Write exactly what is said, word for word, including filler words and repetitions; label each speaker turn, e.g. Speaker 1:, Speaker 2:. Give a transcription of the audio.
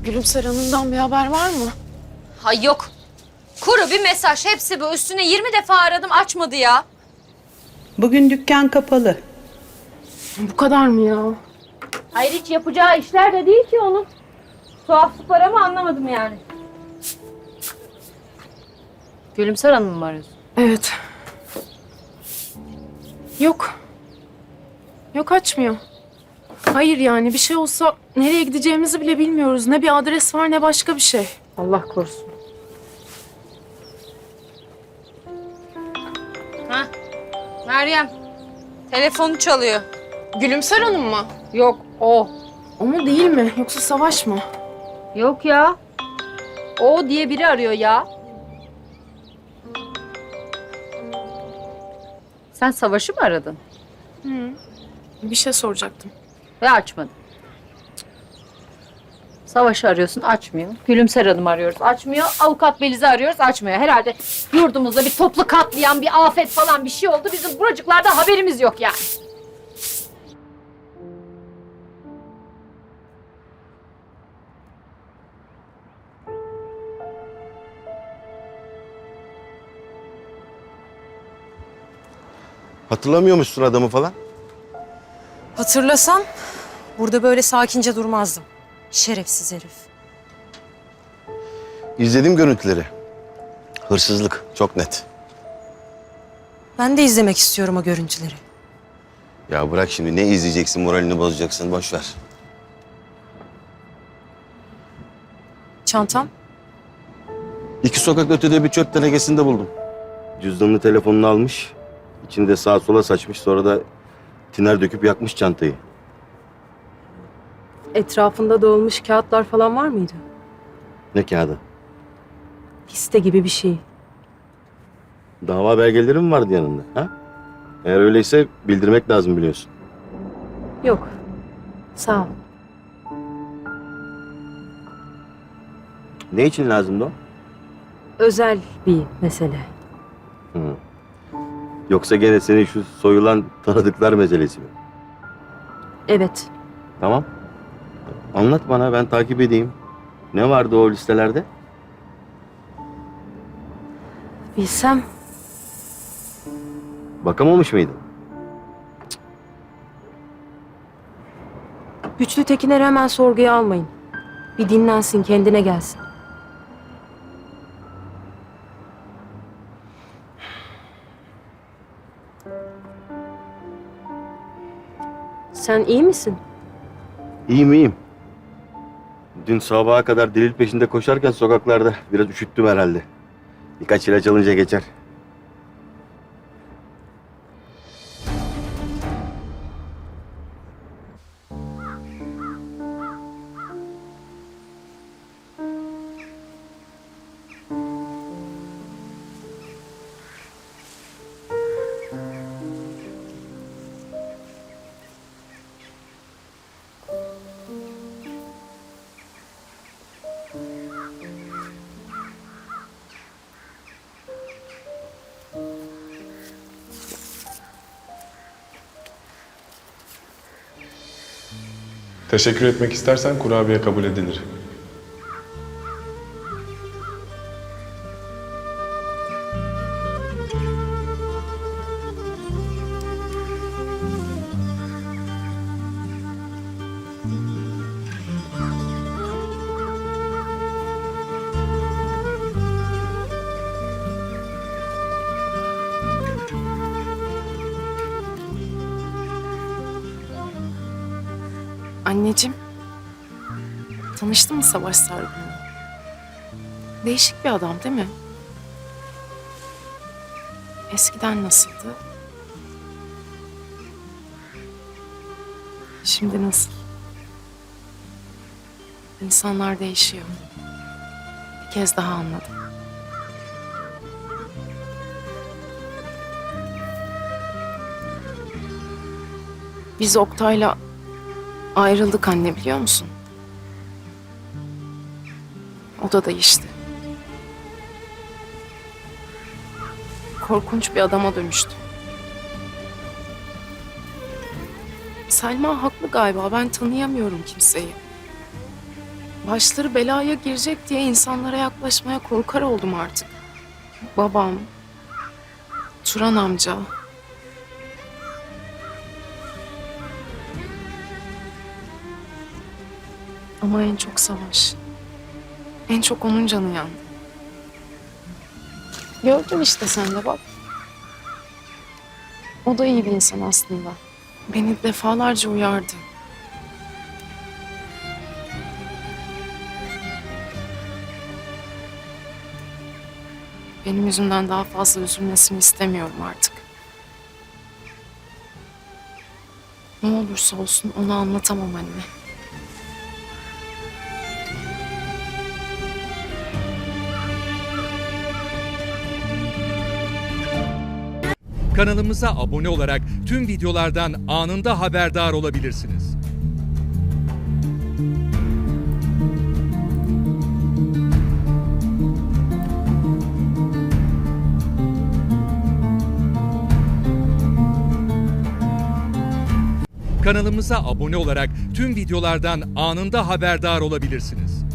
Speaker 1: Gülümser Hanım'dan bir haber var mı?
Speaker 2: Hay yok. Kuru bir mesaj. Hepsi bu. Üstüne yirmi defa aradım. Açmadı ya.
Speaker 3: Bugün dükkan kapalı.
Speaker 1: Bu kadar mı ya?
Speaker 2: Hayır, hiç yapacağı işler de değil ki onun. Tuhaflık var ama anlamadım yani. Gülümser Hanım mı arıyorsun?
Speaker 1: Evet. Yok. Yok, açmıyor. Hayır, yani bir şey olsa nereye gideceğimizi bile bilmiyoruz. Ne bir adres var ne başka bir şey.
Speaker 2: Allah korusun. Ha? Meryem. Telefonu çalıyor.
Speaker 1: Gülümser Hanım mı?
Speaker 2: Yok, o.
Speaker 1: O mu değil mi? Yoksa Savaş mı?
Speaker 2: Yok ya. O diye biri arıyor ya. Sen Savaş'ı mı aradın?
Speaker 1: Hı. Bir şey soracaktım.
Speaker 2: Ve açmadın. Savaş'ı arıyorsun, açmıyor. Gülümser Hanım arıyoruz, açmıyor. Avukat Beliz'i arıyoruz, açmıyor. Herhalde yurdumuzda bir toplu katliam, bir afet falan bir şey oldu. Bizim buracıklarda haberimiz yok yani.
Speaker 4: Hatırlamıyormuşsun adamı falan.
Speaker 5: Hatırlasam burada böyle sakince durmazdım. Şerefsiz herif.
Speaker 4: İzledim görüntüleri. Hırsızlık çok net.
Speaker 5: Ben de izlemek istiyorum o görüntüleri.
Speaker 4: Ya bırak şimdi, ne izleyeceksin, moralini bozacaksın, boş ver.
Speaker 5: Çantam?
Speaker 4: İki sokak ötede bir çöp tenekesinde buldum. Cüzdanını, telefonunu almış. İçinde sağa sola saçmış, sonra da tiner döküp yakmış çantayı.
Speaker 6: Etrafında dağılmış kağıtlar falan var mıydı?
Speaker 4: Ne kağıdı?
Speaker 6: Liste gibi bir şey.
Speaker 4: Dava belgeleri mi vardı yanında? Ha? Eğer öyleyse bildirmek lazım, biliyorsun.
Speaker 6: Yok. Sağ ol.
Speaker 4: Ne için lazımdı o?
Speaker 6: Özel bir mesele.
Speaker 4: Hı. Yoksa gene senin şu soyulan tanıdıklar meselesi mi?
Speaker 6: Evet.
Speaker 4: Tamam. Anlat bana, ben takip edeyim. Ne vardı o listelerde?
Speaker 6: Bilsem
Speaker 4: Bakamamış mıydın?
Speaker 6: Güçlü Tekiner'i hemen sorguya almayın. Bir dinlensin, kendine gelsin. Sen iyi misin?
Speaker 4: İyiyim iyiyim. Dün sabaha kadar delil peşinde koşarken sokaklarda biraz üşüttüm herhalde. Birkaç ilaç alınca geçer.
Speaker 7: Teşekkür etmek istersen kurabiye kabul edilir.
Speaker 1: Anneciğim. Tanıştın mı Savaş Sargun'la? Değişik bir adam değil mi? Eskiden nasıldı? Şimdi nasıl? İnsanlar değişiyor. Bir kez daha anladım. Biz Oktay'la ayrıldık anne, biliyor musun? O da değişti. Korkunç bir adama dönüştü. Selma haklı galiba. Ben tanıyamıyorum kimseyi. başları belaya girecek diye insanlara yaklaşmaya korkar oldum artık. Babam, Turan amca. Ama en çok Savaş. En çok onun canı yandı. Gördün işte sen de bak. O da iyi bir insan aslında. Beni defalarca uyardı. Benim yüzümden daha fazla üzülmesini istemiyorum artık. Ne olursa olsun ona anlatamam anne.
Speaker 8: Kanalımıza abone olarak tüm videolardan anında haberdar olabilirsiniz. Kanalımıza abone olarak tüm videolardan anında haberdar olabilirsiniz.